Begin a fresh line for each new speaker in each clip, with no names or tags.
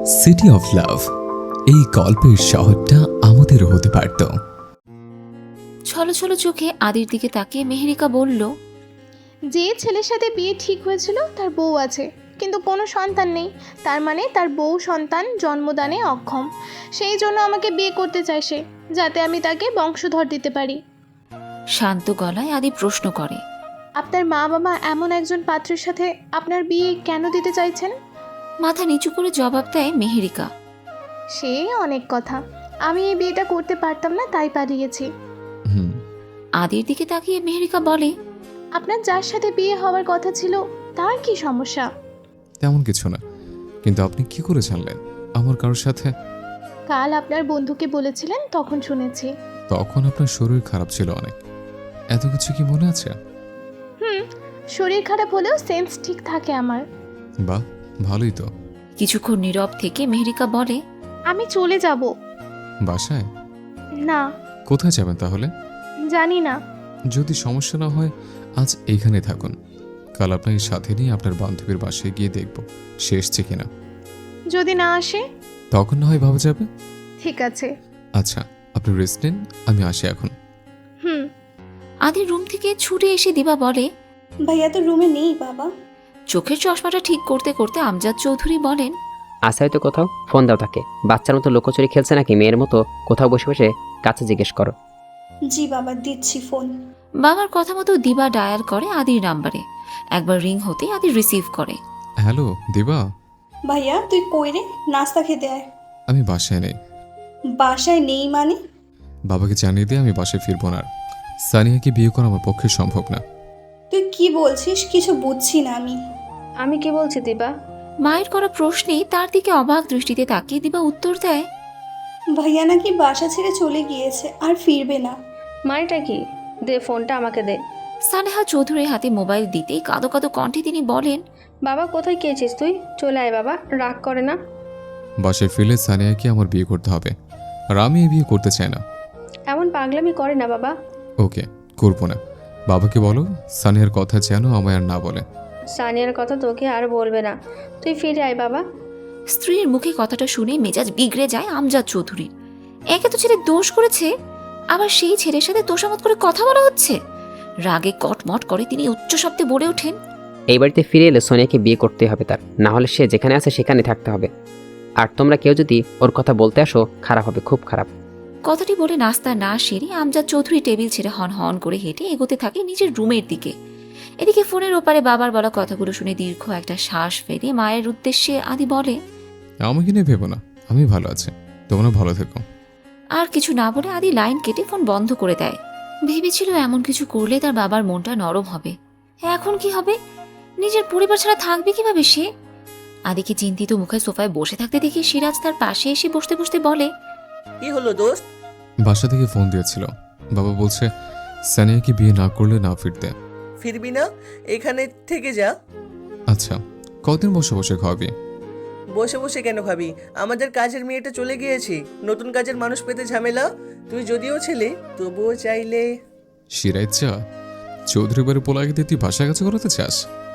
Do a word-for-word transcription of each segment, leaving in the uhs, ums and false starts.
City of love, এই গল্পের শহরটা আমাদেরও হতে পারত।
ছলো ছলো চোখে আদির দিকে তাকিয়ে মেহেরিকা বলল,
যে ছেলের সাথে বিয়ে ঠিক হয়েছিল তার বউ আছে, কিন্তু কোনো সন্তান নেই। তার মানে তার বউ সন্তান জন্মদানে অক্ষম। সেই জন্য আমাকে বিয়ে করতে চায় সে, যাতে আমি তাকে বংশধর দিতে পারি।
শান্ত গলায় আদি প্রশ্ন করে,
আপনার মা বাবা এমন একজন পাত্রের সাথে আপনার বিয়ে কেন দিতে চাইছেন?
মাথা নিচু করে জবাব দেয় মেহেরিকা।
সে অনেক কথা, আমি এই বিয়েটা করতে পারতাম না, তাই পালিয়েছি।
হুম
আদির দিকে তাকিয়ে মেহেরিকা বলে,
আপনার যার সাথে বিয়ে হওয়ার কথা ছিল তার কি সমস্যা?
তেমন কিছু না, কিন্তু আপনি কি করে জানলেন আমার কারোর সাথে?
কাল আপনার বন্ধুকে বলেছিলেন, তখন শুনেছি।
তখন আপনার শরীর খারাপ ছিল অনেক, এত কিছু কি মনে আছে?
হুম, শরীর খারাপ হলেও সেন্স ঠিক থাকে আমার।
বাহ, ভালোই তো।
কিছুক্ষণ নীরব থেকে মেহেরিকা বলে,
আমি চলে যাব।
বাসায়?
না,
কোথায় যাবেন তাহলে?
জানি না।
যদি সমস্যা না হয় আজ এইখানে থাকুন, কাল আপনাকে সাথে নিয়ে আপনার বান্ধবীর বাসায় গিয়ে দেখব সে এসছে কিনা।
যদি না আসে?
তখন না হয় ভাবা যাবে।
ঠিক আছে।
আচ্ছা, আপনি রেস্ট নিন, আমি আসি এখন।
হুম।
আদির রুম থেকে ছুটে এসে দিবা বলে,
ভাইয়া তো রুমে নেই বাবা।
চোখের চশমাটা ঠিক করতে করতে আমজাদ চৌধুরী বলেন,
আছে হয়তো কোথাও, ফোন দাও তাকে। বাচ্চার মতো লুকোচুরি খেলছে নাকি মেয়ের মতো কোথাও বসে বসে, কাছে জিজ্ঞেস করো।
জি বাবা, দিচ্ছি ফোন।
বাবার কথা মতো দিবা ডায়াল করে আদির নাম্বারে। একবার রিং হতে আদি রিসিভ করে।
হ্যালো দিবা।
ভাইয়া তুই কই রে? নাস্তা খেতে আয়।
আমি বাসায় নেই।
বাসায় নেই মানে?
বাবাকে জানিয়ে দিয়ে আমি বাসায় ফিরবো না। সানিয়াকে বিয়ে করা আমার পক্ষে সম্ভব না।
তুই কি বলছিস? কিছু বুঝছি না আমি।
আমি কি বলছি দিবা?
মায়ের করা প্রশ্নে তার দিকে অবাক দৃষ্টিতে তাকিয়ে দিবা উত্তর দেয়,
ভাইয়া নাকি বাসা ছেড়ে চলে গিয়েছে, আর ফিরবে না।
মানেটা কি? দে ফোনটা আমাকে দে।
সানেহা চৌধুরীর হাতে মোবাইল দিতেই কাঁদো কাঁদো কণ্ঠে তিনি বলেন,
বাবা কোথায় গিয়েছিস তুই? চলে আয় বাবা, রাগ করে না।
বাসায় ফিরলে সানিয়াকে আমার বিয়ে করতে হবে, আর আমি এই বিয়ে করতে চাই না।
এমন পাগলামি করে না বাবা।
ওকে, করবো না। বাবাকে বলো সানিয়ার কথা যেন আমায় আর না বলে।
সানিয়ার কথা তোকে আর বলবে না। তুই ফিরে আয় বাবা।
স্ত্রীর মুখে কথাটা শুনে মেজাজ বিগড়ে যায় আমজাদ চৌধুরীর। একে তো ছেলে দোষ করেছে, আবার সেই ছেলের সাথে তোষামত করে কথা বলা হচ্ছে। রাগে কটমট করে তিনি উচ্চ শব্দে বলে ওঠেন,
এই বাড়িতে ফিরে এলে সোনিয়াকে বিয়ে করতে হবে তার, না হলে সে যেখানে আছে সেখানে থাকতে হবে। আর তোমরা কেউ যদি ওর কথা বলতে আসো, খারাপ হবে, খুব খারাপ।
কথাটি বলে নাস্তা না সেরে আমজাদ চৌধুরী টেবিল ছেড়ে হন হন করে হেঁটে এগোতে থাকে নিজের রুমের দিকে। এদিকে ফোনের ওপারে বাবার বলা কথাগুলো শুনে দীর্ঘ একটা শ্বাস ফেলে মায়ের উদ্দেশ্যে আদি বলে,
আমাকে নিয়ে ভেবো না, আমি ভালো আছি, তোমরা ভালো থেকো।
আর কিছু না বলে আদি লাইন কেটে ফোন বন্ধ করে দেয়। ভেবেছিল এমন কিছু করলে তার বাবার মনটা নরম হবে। এখন কি হবে? নিজের পরিবার ছাড়া থাকবে কিভাবে সে? আদিকে চিন্তিত মুখে সোফায় বসে থাকতে দেখে সিরাজ তার পাশে এসে বসতে বসতে বলে,
কি হলো দোস্ত?
বাসা থেকে ফোন দিয়েছিল, বাবা বলছে সানিয়াকে বিয়ে না করলে না ফিরতে।
ফিরবি না? এখানে থেকে যা।
আচ্ছা, কদিন বসে বসে খাওয়াবি?
বসে বসে কেন খাবি? আমাদের কাজের মেয়েটা চলে গিয়েছে, নতুন কাজের মানুষ পেতে ঝামেলা। তুই যদিও ছেলে, তবুও চাইলে।
সিরাজ চা চৌধুরী বাড়ি পোলাকে দিয়ে তুই বাসা কাছে করাতে চাস?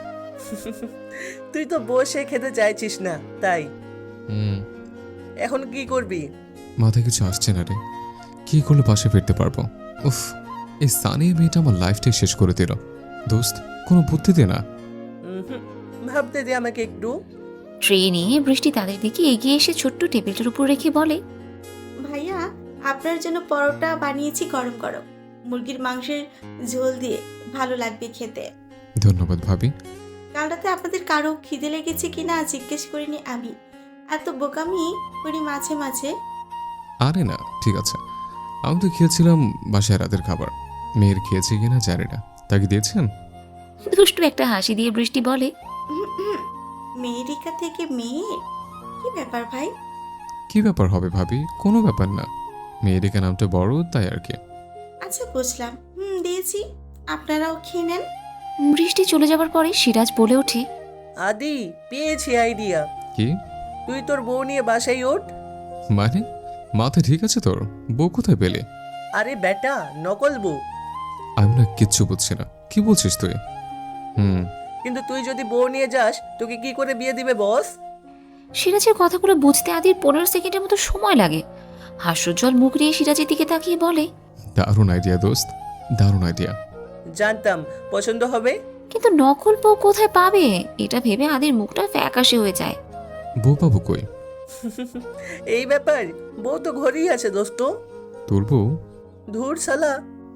তুই তো বসে খেতে চাইছিস না, তাই।
হুম,
এখন কি করবি?
মাথায় কিছু আসছে না রে। কি করলে বাসে ফিরতে পারবো? উফ, এই সানিয়া মেয়েটা আমার লাইফটাই শেষ করে দিল। দোস্ত, কোনো বুদ্ধি দে না।
উহুম, ভাবতে দে আমাকে একটু।
ট্রে নিয়ে বৃষ্টি তাদের দিকে এগিয়ে এসে ছোট্ট টেবিলটার উপর রেখে বলে,
ভাইয়া আপনার জন্য পরোটা বানিয়েছি গরম গরম, মুরগির মাংসের ঝোল দিয়ে, ভালো লাগবে খেতে।
ধন্যবাদ ভাবি।
কাল রাতে আপনাদের কারো খিদে লেগেছে কিনা জিজ্ঞেস করিনি আমি, এত বোকামি করি মাঝে মাঝে।
আরে না, ঠিক আছে। আমি তো খেয়েছিলাম বাসায় রাতের খাবার, মেয়ের খেয়েছে কিনা জানি না। তাকে দিয়েছেন?
দুষ্টু একটা হাসি দিয়ে বৃষ্টি বলে,
মেয়েরিকা থেকে মেয়ে, কি ব্যাপার ভাই?
কি ব্যাপার হবে ভাবি? কোনো ব্যাপার না, মেয়েরিকা নামটা বড় তাই আর কি।
আচ্ছা বুঝলাম, হুম দিয়েছি, আপনারাও খেয়ে নেন।
বৃষ্টি চলে যাবার পরে সিরাজ বলে ওঠে,
আদি, পেয়েছি আইডিয়া।
কি?
তুই তোর বউ নিয়ে বাসায় ওঠ।
মানে মাথা ঠিক আছে তোর? বউ কোথায় পেলে?
আরে বেটা, নকল বউ।
আমি না কিচ্ছু বুঝছি না, কি বলছিস তুই? হুম,
কিন্তু তুই যদি বউ নিয়ে যাস, তোকে কি করে বিয়ে দিবে বস?
সিরাজের কথাগুলো বুঝতে আদির পনেরো সেকেন্ডের মতো সময় লাগে। হাস্যজ্জ্বল মুখ নিয়ে সিরাজের দিকে তাকিয়ে বলে,
দারুণ আইডিয়া দোস্ত, দারুণ আইডিয়া।
জানতাম পছন্দ হবে।
কিন্তু নকল বউ কোথায় পাবে এটা ভেবে আদির মুখটা ফ্যাকাশে হয়ে যায়।
বউ পাবো কই?
এই ব্যাপার, বউ তো ঘরেই আছে দোস্ত।
তোর বউ?
ধুর শালা।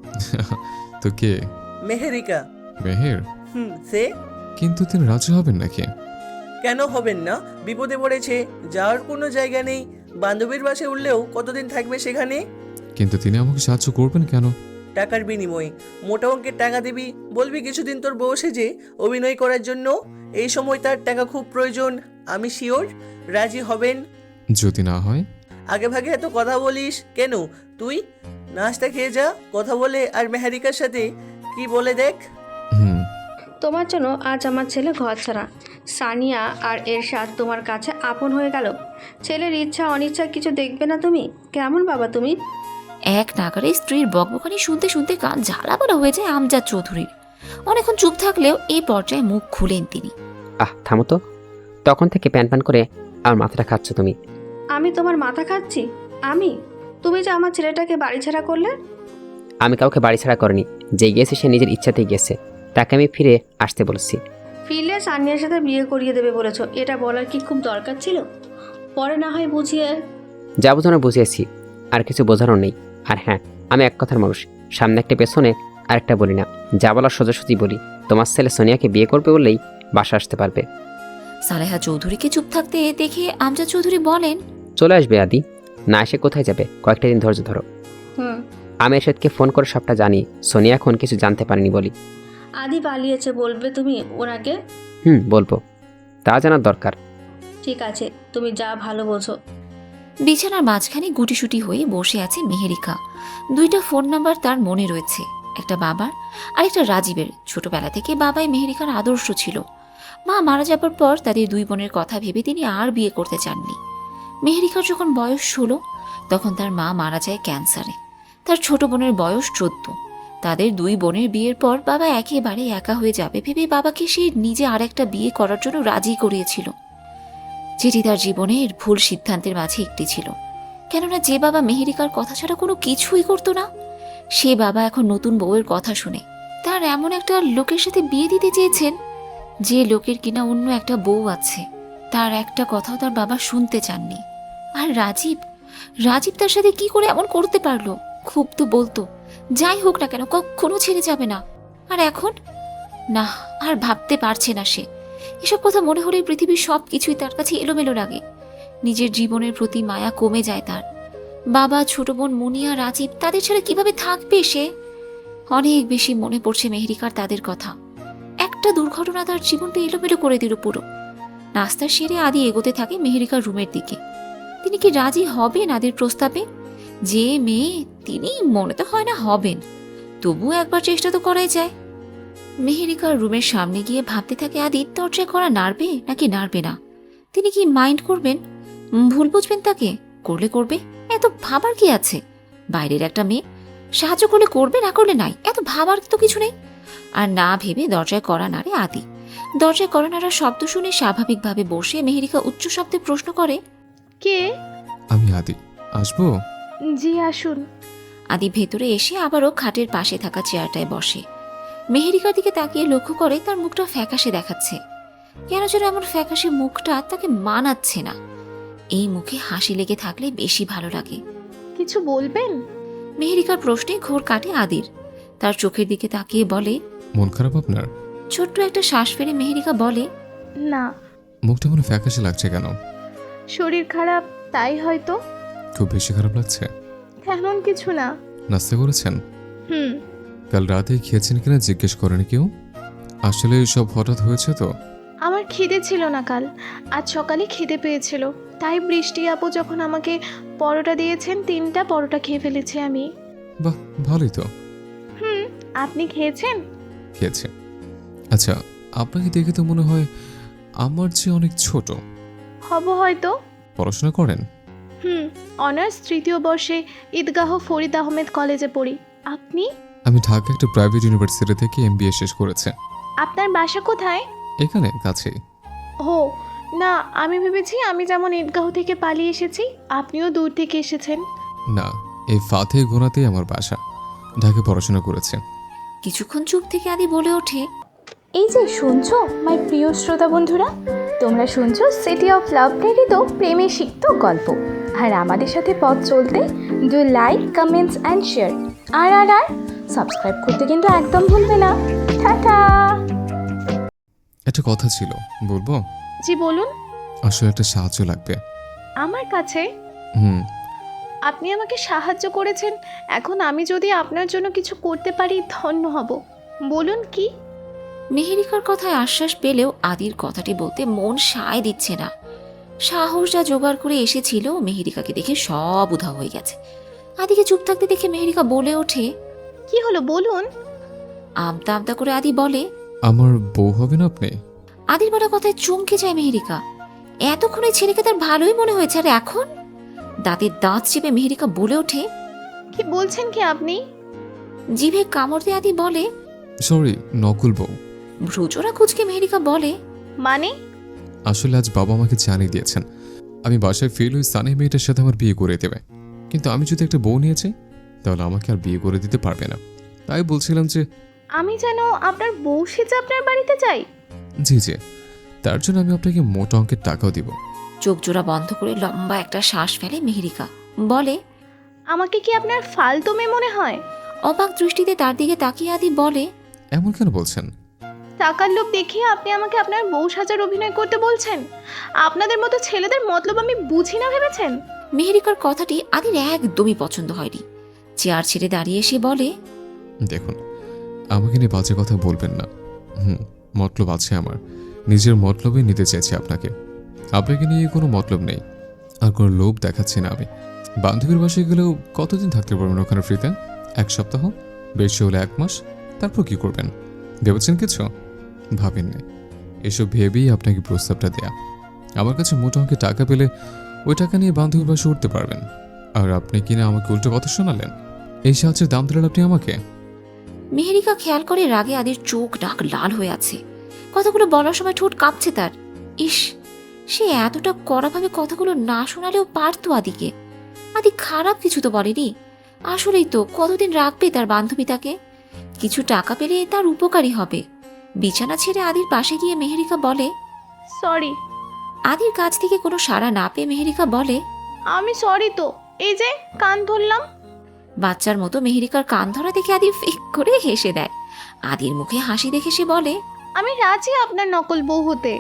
তো কে?
মেহেরিকা।
মেহের?
হুম, সে
কিন্তু তিনি রাজি হবেন নাকি?
কেন হবেন না? বিপদে পড়েছে, যাওয়ার কোনো জায়গা নেই, বান্ধবীর বাসে উঠলেও কতদিন থাকবে সেখানে?
কিন্তু তিনি আমাকে সাহায্য করবেন কেন?
টাকার বিনিময়ে মোটা অঙ্কের টাকা দিবি, বলবি কিছুদিন তোর বউ সেজে অভিনয় করার জন্য। এই সময় তার টাকা খুব প্রয়োজন, আমি শিওর রাজি হবেন।
যদি না হয়?
আগে ভাগে এত কথা বলিস কেন? তুই নাস্তা খেয়ে যা, কথা বলে আর মেহারিকার সাথে কি বলে দেখ।
হুম।
তোমার জন্য আজ আমার ছেলে ঘর ছাড়া। সানিয়া আর এরশাদ তোমার কাছে আপন হয়ে গেল। ছেলের ইচ্ছা অনিচ্ছা কিছু দেখবে না তুমি? কেমন বাবা তুমি?
এক নাগারে স্ত্রীর বকবকানি শুনতে শুনতে কান ঝালাপালা হয়ে যায় আমজাদ চৌধুরীর। অনেকক্ষণ চুপ থাকলেও এই পর্যায়ে মুখ খুলেন তিনি।
আহ থামো তো, তখন থেকে প্যান প্যান করে আমার মাথাটা খাচ্ছ তুমি।
আমি তোমার মাথা খাচ্ছি? আমি? তুমি যে আমার ছেলেটাকে বাড়ি ছাড়া করলে।
আমি কাউকে বাড়ি ছাড়া করিনি, যে গিয়েছে সে নিজের ইচ্ছাতেই গেছে, তাকে আমি ফিরে আসতে বলেছি।
ফিরলে সানিয়ার সাথে বিয়ে করিয়ে দেবে বলেছো, এটা বলার কি খুব দরকার ছিল? পরে না হয় বুঝিয়ে।
যা বোঝানো বুঝিয়েছি, আর কিছু বোঝানোর নেই। আর হ্যাঁ, আমি এক কথার মানুষ, সামনে একটা পেছনে আরেকটা বলি না। যা বলার সোজাসুজি বলি। তোমার ছেলে সোনিয়াকে বিয়ে করবে বললেই বাসা আসতে পারবে।
সালেহা চৌধুরীকে চুপ থাকতে দেখে আমজাদ চৌধুরী বলেন,
চলে আসবে আদি, না এসে কোথায় যাবে? কয়েকটা দিন ধৈর্য ধরো।
হুম।
আমি এরশাদকে ফোন করে সবটা জানি, সোনিয়া এখন কিছু জানতে পারেনি বলি।
আদি পালিয়েছে বলবে তুমি ওনাকে?
হুম, বলবো, তা জানার দরকার।
ঠিক আছে, তুমি যা ভালো বোঝো।
বিছানার মাঝখানে গুটিসুটি হয়ে বসে আছে মেহেরিকা। দুইটা ফোন নাম্বার তার মনে রয়েছে, একটা বাবার আর একটা রাজীবের। ছোটবেলা থেকে বাবাই মেহেরিকার আদর্শ ছিল। মা মারা যাবার পর তাদের দুই বোনের কথা ভেবে তিনি আর বিয়ে করতে চাননি। মেহেরিকার যখন বয়স ষোলো তখন তার মা মারা যায় ক্যান্সারে। তার ছোট বোনের বয়স চোদ্দ। তাদের দুই বোনের বিয়ের পর বাবা একেবারে একা হয়ে যাবে ভেবে বাবাকে সে নিজে আর একটা বিয়ে করার জন্য রাজি করিয়েছিল, যেটি তার জীবনের ভুল সিদ্ধান্তের মাঝে একটি ছিল। কেননা যে বাবা মেহেরিকার কথা ছাড়া কোনো কিছুই করতো না, সে বাবা এখন নতুন বউয়ের কথা শুনে তার এমন একটা লোকের সাথে বিয়ে দিতে চেয়েছেন, যে লোকের কিনা অন্য একটা বউ আছে। তার একটা কথাও তার বাবা শুনতে চাননি। আর রাজীব রাজীব তার সাথে কি করে এমন করতে পারলো? খুব তো বলতো, যাই হোক না কেন কখনো ছেড়ে যাবে না। আর এখন না, আর ভাবতে পারছে না সে। এসব কথা মনে হলে পৃথিবীর সব কিছুই তার কাছে এলোমেলো লাগে। নিজের জীবনের প্রতি মায়া কমে যায় তার। বাবা, ছোট বোন মুনিয়া, রাজীব, তাদের ছাড়া কিভাবে থাকবে সে? অনেক বেশি মনে পড়ছে মেহেরিকার তাদের কথা। একটা দুর্ঘটনা তার জীবনটা এলোমেলো করে দিল পুরো। নাস্তা সেরে আদি এগোতে থাকে মেহেরিকার রুমের দিকে। তিনি কি রাজি হবেন আদির প্রস্তাবে? যে মেয়ে, তিনি মনে তো হয় না হবেন, তবুও একবার চেষ্টা তো করাই যায়। মেহেরিকার রুমের সামনে গিয়ে ভাবতে থাকে আদি দরজা করা নাড়বে নাকি নাড়বে না। তিনি কি মাইন্ড করবেন? ভুল বুঝবেন তাকে? করলে করবে, এত ভাবার কি আছে? বাইরের একটা মেয়ে, সাহায্য করলে করবে, না করলে নাই, এত ভাবার তো কিছু নেই। আর না ভেবে দরজায় করা নাড়ে আদি। দরজায় করা নাড়ার শব্দ শুনে স্বাভাবিকভাবে বসে মেহেরিকা উচ্চ শব্দে প্রশ্ন করে,
কে?
আমি আদি, আসবো?
জি আসুন।
আদি ভেতরে এসে আবারও খাটের পাশে থাকা চেয়ারটায় বসে। মেহেরিকার দিকে তাকিয়ে লক্ষ্য করে তার মুখটা ফ্যাকাশে দেখাচ্ছে। কেন যেন এমন ফ্যাকাশে মুখটা তাকে মানাচ্ছে না। এই মুখে হাসি লেগে থাকলে বেশি ভালো লাগে।
কিছু বলবেন?
মেহেরিকার প্রশ্নে ঘোর কাটে আদির। তার চোখের দিকে তাকিয়ে বলে,
মন খারাপ আপনার?
ছোট্ট একটা শ্বাস ফেলে মেহেরিকা বলে,
না।
মুখটা মনে ফ্যাকাশে লাগছে কেন?
শরীর খারাপ, তাই হয়তো।
খুব বেশি খারাপ লাগছে?
তেমন কিছু না।
নাস্তা করেছেন?
হুম।
কাল রাতে খেয়েছেন কিনা জিজ্ঞেস করেনি কেউ? আসলে সব হঠাৎ হয়েছে তো।
আমার খিদে ছিল না কাল, আজ সকালে খিদে পেয়েছিল, তাই বৃষ্টি আপু যখন আমাকে পরোটা দিয়েছেন তিনটা পরোটা খেয়ে ফেলেছি আমি।
বাহ, ভালোই তো।
হুম। আপনি খেয়েছেন?
খেয়েছে। আচ্ছা, আপনাকে দেখে তো মনে হয় আমার চেয়ে অনেক ছোট।
হব হয়তো।
পড়াশোনা করেন?
হুম। অনার্স তৃতীয় বর্ষে ঈদগাহ ফরিদ আহমেদ কলেজে পড়ি। আপনি?
আমি ঢাকা একটা প্রাইভেট ইউনিভার্সিটি থেকে এমবিএ শেষ করেছে।
আপনার বাসা কোথায়?
এখানে কাছেই।
ও, না, আমি ভেবেছি আমি যেমন ঈদগাহ থেকে পালিয়ে এসেছি, আপনিও দূর থেকে এসেছেন।
না, এই ফাতে গোনাতেই আমার বাসা। ঢাকে পড়াশোনা করেছে।
কিছুক্ষণ চুপ থেকে আদি বলে ওঠে,
এই যে শুনছো মাই প্রিয় শ্রোতা বন্ধুরা, তোমরা শুনছো সিটি অফ লাভ প্রেরিত প্রেমে সিক্ত গল্প। আর আমাদের সাথে পথ চলতে do like, comments and share. আর আর আর সাবস্ক্রাইব করতে কিন্তু একদম ভুলবে না। টাটা।
একটা কথা ছিল, বলবো?
জি বলুন।
আসলে একটা সাহায্য লাগবে।
আমার কাছে?
হুম।
আপনি আমাকে সাহায্য করেছেন, এখন আমি যদি আপনার জন্য কিছু করতে পারি ধন্য হব। বলুন কি?
মেহেরিকার কথায় আশ্বাস পেলেও আদির কথাটি বলতে মন সায় দিচ্ছে না। সাহস যা জোগাড় করে এসেছিল, মেহেরিকাকে দেখে সব উধাও হয়ে গেছে। আদিকে চুপ থাকতে দেখে মেহেরিকা বলে ওঠে,
কি হলো বলুন।
আমতা আমতা করে আদি বলে,
আমার বউ হবে না আপনি?
আদির বলা কথায় চমকে যায় মেহেরিকা। এতক্ষণ এই ছেলেকে তার ভালোই মনে হয়েছে, আর এখন? দাঁতের দাঁত চেপে মেহেরিকা বলে ওঠে,
কি বলছেন কি আপনি?
জিভে কামড় দিয়ে আদি বলে,
সরি, নকল বউ।
ভ্রুচোরা কুচকে মেহেরিকা বলে,
মানে?
আসলে আজ বাবা আমাকে জানিয়ে দিয়েছেন আমি বাসায় ফেল ওই সানি মেয়েটার সাথে আমার বিয়ে করে দেবে। কিন্তু আমি যদি একটা বউ নিয়েছি তাহলে আমাকে আর বিয়ে করে দিতে পারবে না। তাই বলছিলাম যে
আমি যেন আপনার বউ সেজে আপনার বাড়িতে যাই?
জি জি, তার জন্য আমি আপনাকে মোটা অঙ্কের টাকাও দিব।
চোখ জোড়া বন্ধ করে লম্বা একটা শ্বাস ফেলে মেহেরিকা, বলে,
আমাকে কি আপনার ফালতু মেয়ে মনে হয়?
অবাক দৃষ্টিতে তার দিকে তাকিয়ে আদি বলে,
এমন কেন বলছেন?
টাকার লোভ দেখিয়ে আপনি আমাকে আপনার বউ সাজার অভিনয় করতে বলছেন? আপনাদের মতো ছেলেদের মতলব আমি বুঝি না ভেবেছেন?
মেহেরিকার কথাটি আদির একদমই পছন্দ হয়নি। চেয়ার ছেড়ে দাঁড়িয়ে এসে বলে,
দেখুন, আমাকে নিয়ে বাজে কথা বলবেন না। হুম, মতলব আছে আমার, নিজের মতলবে নিতে চাইছি আপনাকে। আপনাকে নিয়ে কোনো মতলব নেই, আর কোনো লোভ দেখাচ্ছি না আমি। বান্ধবীর বাসায় গেলেও কতদিন থাকতে পারবেন ওখানে ফ্রিতে? এক সপ্তাহ, বেশি হলে এক মাস। তারপর কি করবেন ভেবেছেন কিছু? ভাবেননি। এসব ভেবেই আপনাকে প্রস্তাবটা দেয়া। আমার কাছে মোটা অঙ্কে টাকা পেলে ওই টাকা নিয়ে বান্ধবীর বাসে উঠতে পারবেন। আর আপনি কিনা আমাকে উল্টো কথা শোনালেন। এই সাহায্যের দাম দিলেন আপনি আমাকে।
মেহেরিকা খেয়াল করে রাগে আদির চোখ ডাক লাল হয়ে আছে। কথাগুলো বলার সময় ঠোঁট কাঁপছে তার। ইস, সে এতটা কড়াভাবে কথাগুলো না শোনালেও পারতো আদিকে। আদি খারাপ কিছু তো বলেনি। আসলেই তো কতদিন রাখবে তার বান্ধবী তাকে? কিছু টাকা পেলে তার উপকারী হবে। বিছানা ছেড়ে আদির পাশে গিয়ে মেহেরিকা বলে,
সরি।
আদির কাছ থেকে কোনো সাড়া না পেয়ে মেহেরিকা বলে,
আমি সরি তো, এই যে কান ধরলাম।
বাচ্চার মতো মেহেরিকার কান ধরা দেখে আদি ফিক করে হেসে দেয়। আদির মুখে হাসি দেখে সে বলে,
আমি রাজি আপনার নকল বউ হতে।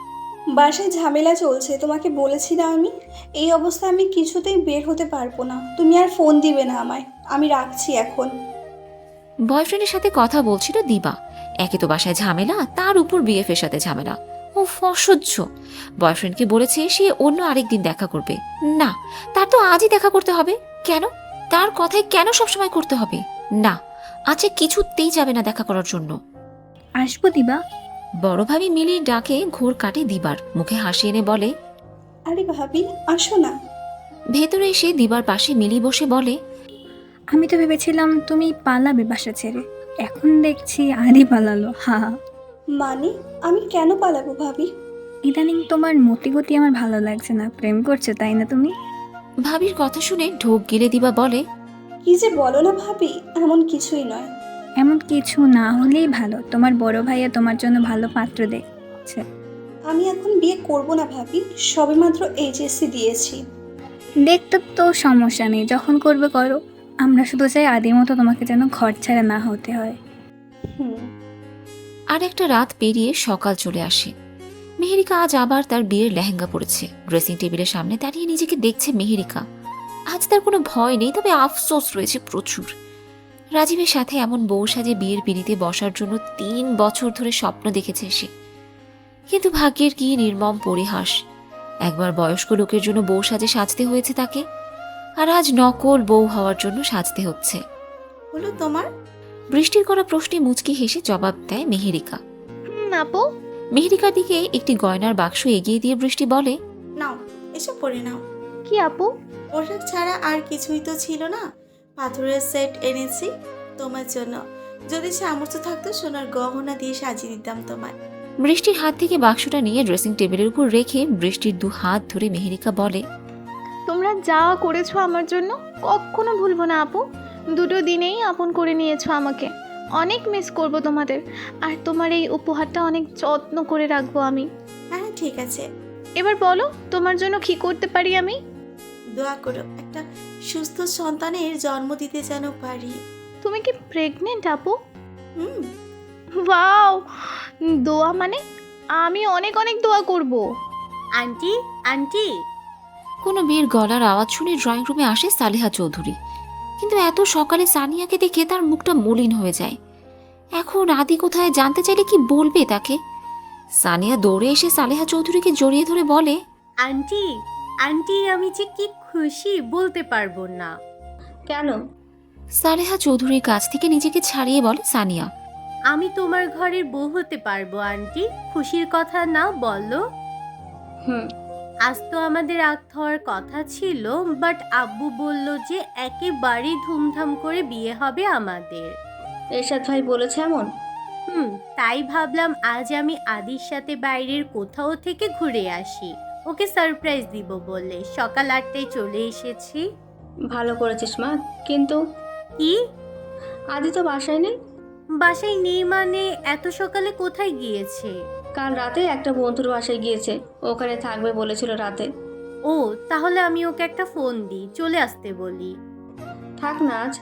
বাসায় ঝামেলা চলছে, তোমাকে বলেছি না আমি? এই অবস্থায় আমি কিছুতেই বের হতে পারবো না। তুমি আর ফোন দিবে না আমায়। আমি রাখছি এখন।
বয়ফ্রেন্ডের সাথে কথা বলছিল দিবা। একে তো বাসায় ঝামেলা, তার উপর বিএফের সাথে ঝামেলা। ও অসহ্য। বয়ফ্রেন্ডকে বলেছে সে অন্য আরেকদিন দেখা করবে। না, তার তো আজই দেখা করতে হবে। কেন? তার কথায় কেন সবসময় করতে হবে? না, আজকে কিছুতেই যাবে না দেখা করার জন্য।
আসবো দিবা?
বড় ভাবি মিলির ডাকে ঘোর কাটে দিবার, মুখে হাসি এনে বলে,
আরে ভাবি, আসো না।
ভেতরে এসে দিবার পাশে মিলি বসে বলে,
আমি তো ভেবেছিলাম তুমি পালাবে বাসা ছেড়ে, এখন দেখছি আদি পালালো। হা হা।
মানে আমি কেন পালাবো ভাবি?
ইদানিং তোমার মতিগতি আমার ভালো লাগছে না। প্রেম করছো তাই না তুমি?
ভাবির কথা শুনে ঢোক গিলে দিবা বলে,
কি যে বলো না ভাবি, এমন কিছুই নয়।
এমন কিছু না হলেই ভালো। তোমার বড় ভাইয়া তোমার জন্য ভালো পাত্র দেখছে।
আমি এখন বিয়ে করব না ভাবি, সবেমাত্র এইচএসসি দিয়েছি।
দেখতে তো সমস্যা নেই, যখন করবে করো। আমরা শুধু চাই আদির মতো তোমাকে যেন ঘর ছাড়া না হতে হয়।
হুম।
আর একটা রাত পেরিয়ে সকাল চলে আসে। মেহেরিকা আজ আবার তার বিয়ের লেহেঙ্গা পরেছে। ড্রেসিং টেবিলের সামনে দাঁড়িয়ে নিজেকে দেখছে মেহেরিকা। আজ তার কোনো ভয় নেই, তবে আফসোস রয়েছে প্রচুর। রাজীবের সাথে এমন বউ সাজে বিয়ের পিড়িতে বসার জন্য তিন বছর ধরে স্বপ্ন দেখেছে সে। কিন্তু ভাগ্যের কি নির্মম পরিহাস। একবার বয়স্ক লোকের জন্য বউ সাজে সাজতে হয়েছে তাকে, আর আজ নকল বউ হওয়ার জন্য সাজতে হচ্ছে।
হলো তোমার?
বৃষ্টির করা প্রশ্নে মুচকি হেসে জবাব দেয় মেহেরিকা।
হুম আপু।
মেহেরিকার দিকে একটি গয়নার বাক্স এগিয়ে দিয়ে বৃষ্টি বলে,
নাও, এসব পরে নাও।
কি আপু?
পোশাক ছাড়া আর কিছুই তো ছিল না। পাথরের সেট এনেছি তোমার জন্য। যদি সামর্থ্য থাকতো সোনার গহনা দিয়ে সাজিয়ে দিতাম তোমায়।
বৃষ্টির হাত থেকে বাক্সটা নিয়ে ড্রেসিং টেবিলের উপর রেখে বৃষ্টির দু হাত ধরে মেহেরিকা বলে,
তোমরা যা করেছো আমার জন্য কখনো ভুলবো না আপু। দুটো দিনেই আপন করে নিয়েছো আমাকে। অনেক মিস করব তোমাদের, আর তোমার এই উপহারটা অনেক যত্ন করে রাখবো আমি।
হ্যাঁ ঠিক আছে,
এবার বলো তোমার জন্য কি করতে পারি আমি?
দোয়া করো একটা সুস্থ সন্তানের জন্ম দিতে যেন পারি।
তুমি কি প্রেগনেন্ট আপু?
হুম।
ওয়াও, দোয়া মানে আমি অনেক অনেক দোয়া করব।
আন্টি আন্টি
কোনো মেয়ের গলার আওয়াজ শুনে ড্রয়িং রুমে আসে সালেহা চৌধুরী। কিন্তু এত সকালে সানিয়াকে দেখে তার মুখটা মলিন হয়ে যায়। এখন আদি কোথায় জানতে চাইলে কি বলবে তাকে? সানিয়া দৌড়ে এসে সালেহা চৌধুরীকে জড়িয়ে ধরে বলে,
আন্টি আন্টি আমি যে কি খুশি বলতে পারবো না।
কেন?
সালেহা চৌধুরীর কাছ থেকে নিজেকে ছাড়িয়ে বলে সানিয়া।
আমি তোমার ঘরের বউ হতে পারবো আন্টি, খুশির কথা না বলো।
হুম।
আজ তো আমাদের আগ হওয়ার কথা ছিল, বাট আব্বু বলল যে একেবারেই ধুমধাম করে বিয়ে হবে আমাদের।
এরশাদ ভাই বলেছে এমন?
হুম, তাই ভাবলাম আজ আমি আদির সাথে বাইরের কোথাও থেকে ঘুরে আসি, ওকে সারপ্রাইজ দিব বলে সকাল আটটায় চলে এসেছি।
ভালো করেছিস মা, কিন্তু
কি?
আদি তো বাসায় নেই।
বাসায় নেই মানে এত সকালে কোথায় গিয়েছে?
কাল রাতে একটা বন্ধুর বাসায় গিয়েছে, ওখানে থাকবে বলেছিল রাতে।
ও, তাহলে আমি ওকে একটা ফোন দিই, চলে আসতে বলি।
থাক না আজ।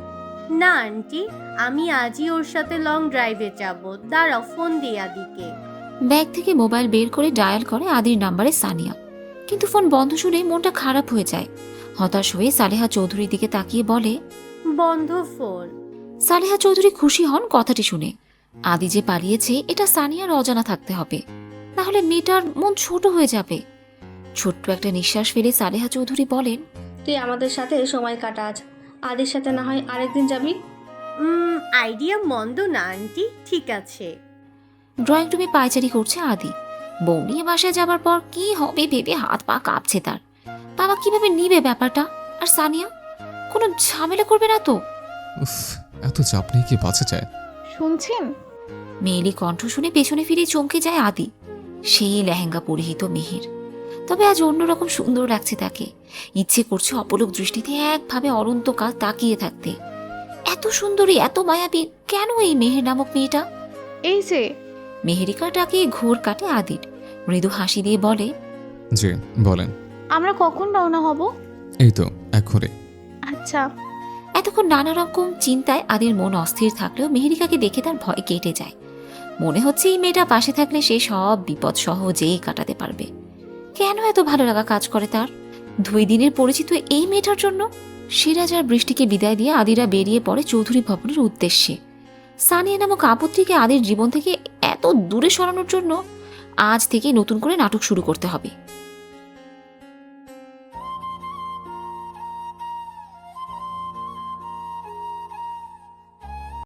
না আন্টি, আমি আজই ওর সাথে লং ড্রাইভে যাব। দাঁড়াও, ফোন দিই আদিকে।
ব্যাগ থেকে মোবাইল বের করে ডায়াল করে আদির নাম্বারে সানিয়া। কিন্তু ফোন বন্ধ শুনে মনটা খারাপ হয়ে যায়। হতাশ হয়ে সালেহা চৌধুরীর দিকে তাকিয়ে বলে,
বন্ধ ফোন।
সালেহা চৌধুরী খুশি হন কথাটি শুনে। আদি যে পালিয়েছে এটা সানিয়ার অজানা থাকতে হবে, নাহলে মেয়েটার মন ছোট হয়ে যাবে। ছোট্ট একটা নিঃশ্বাস ফেলে সালেহা চৌধুরী বলেন,
তুই আমাদের সাথে সময় কাটা আজ, আদির সাথে না হয় আরেকদিন যাবি।
উম আইডিয়া মন্দ না আন্টি, ঠিক আছে।
ড্রয়িং রুমে পায়চারি করছে আদি। বউ নিয়ে বাসায় যাবার পর কি হবে ভেবে হাত পা কাঁপছে তার। বাবা কিভাবে নিবে ব্যাপারটা? আর সানিয়া কোনো ঝামেলা করবে না তো?
উফ, এত চাপ নিয়ে কি বাঁচা যায়?
শুনছেন?
মেয়েলি কণ্ঠ শুনে পেছনে ফিরে চমকে যায় আদি। সেই লেহেঙ্গা পরিহিত মেহের, তবে আজ অন্যরকম সুন্দর লাগছে তাকে। ইচ্ছে করছে অপলক দৃষ্টিতে একভাবে অনন্তকাল তাকিয়ে থাকতে। এত সুন্দরী, এত মায়াবী কেন এই মেহের নামক মেয়েটা?
এই যে
মেহেরিকাটাকে ঘোর কাটে আদির। মৃদু হাসি দিয়ে বলে,
জি বলেন।
আমরা কখন রওনা হব?
এই তো এক ঘরে।
আচ্ছা।
এতক্ষণ নানা রকম চিন্তায় আদির মন অস্থির থাকলেও মেহেরিকাকে দেখে তার ভয় কেটে যায়। মনে হচ্ছে এই মেয়েটা পাশে থাকলে সে সব বিপদ সহজেই কাটাতে পারবে। কেন এত ভালো লাগা কাজ করে তার দুই দিনের পরিচিত এই মেয়েটার জন্য? সিরাজ আর বৃষ্টিকে বিদায় দিয়ে আদিরা বেরিয়ে পড়ে চৌধুরী ভবনের উদ্দেশ্যে। সানিয়া নামক আপত্তিকে আদির জীবন থেকে এত দূরে সরানোর জন্য আজ থেকে নতুন করে নাটক শুরু করতে হবে।